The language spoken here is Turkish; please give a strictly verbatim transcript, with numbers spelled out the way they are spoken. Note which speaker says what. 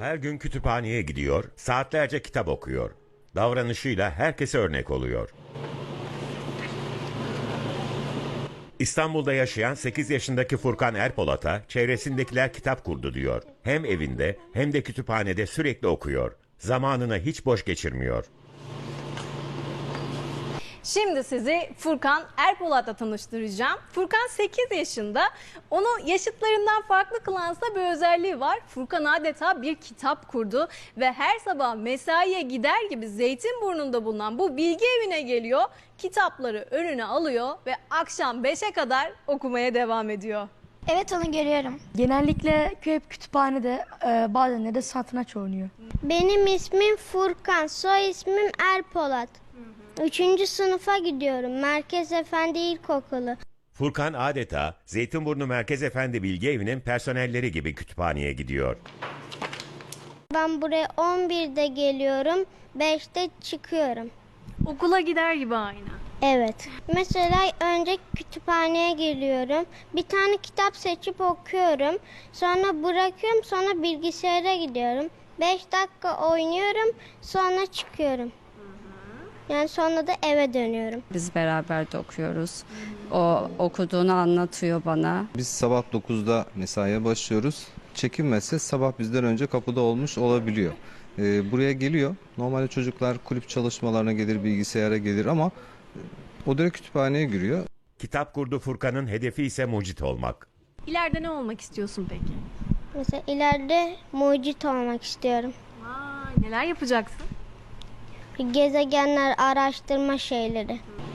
Speaker 1: Her gün kütüphaneye gidiyor, saatlerce kitap okuyor. Davranışıyla herkese örnek oluyor. İstanbul'da yaşayan sekiz yaşındaki Furkan Erpolat'a çevresindekiler kitap kurdu diyor. Hem evinde hem de kütüphanede sürekli okuyor. Zamanını hiç boş geçirmiyor.
Speaker 2: Şimdi sizi Furkan Erpolat'la tanıştıracağım. Furkan sekiz yaşında. Onu yaşıtlarından farklı kılansa bir özelliği var. Furkan adeta bir kitap kurdu ve her sabah mesaiye gider gibi Zeytinburnu'nda bulunan bu bilgi evine geliyor. Kitapları önüne alıyor ve akşam beşe kadar okumaya devam ediyor.
Speaker 3: Evet, onu görüyorum.
Speaker 4: Genellikle köy kütüphanede, e, bazen de satranç oynuyor.
Speaker 3: Benim ismim Furkan, soy ismim Erpolat. Üçüncü sınıfa gidiyorum. Merkez Efendi İlkokulu.
Speaker 1: Furkan adeta Zeytinburnu Merkez Efendi Bilgi Evi'nin personelleri gibi kütüphaneye gidiyor.
Speaker 3: Ben buraya on birde geliyorum, beşte çıkıyorum.
Speaker 2: Okula gider gibi aynı.
Speaker 3: Evet. Mesela önce kütüphaneye geliyorum. Bir tane kitap seçip okuyorum. Sonra bırakıyorum, sonra bilgisayara gidiyorum. beş dakika oynuyorum, sonra çıkıyorum. Yani sonra da eve dönüyorum.
Speaker 5: Biz beraber de okuyoruz. O okuduğunu anlatıyor bana.
Speaker 6: Biz sabah dokuzda mesaiye başlıyoruz. Çekinmezse sabah bizden önce kapıda olmuş olabiliyor. Ee, buraya geliyor. Normalde çocuklar kulüp çalışmalarına gelir, bilgisayara gelir ama o direkt kütüphaneye giriyor.
Speaker 1: Kitap kurdu Furkan'ın hedefi ise mucit olmak.
Speaker 2: İleride ne olmak istiyorsun peki?
Speaker 3: Mesela ileride mucit olmak istiyorum.
Speaker 2: Vay, neler yapacaksın?
Speaker 3: Gezegenler, araştırma şeyleri.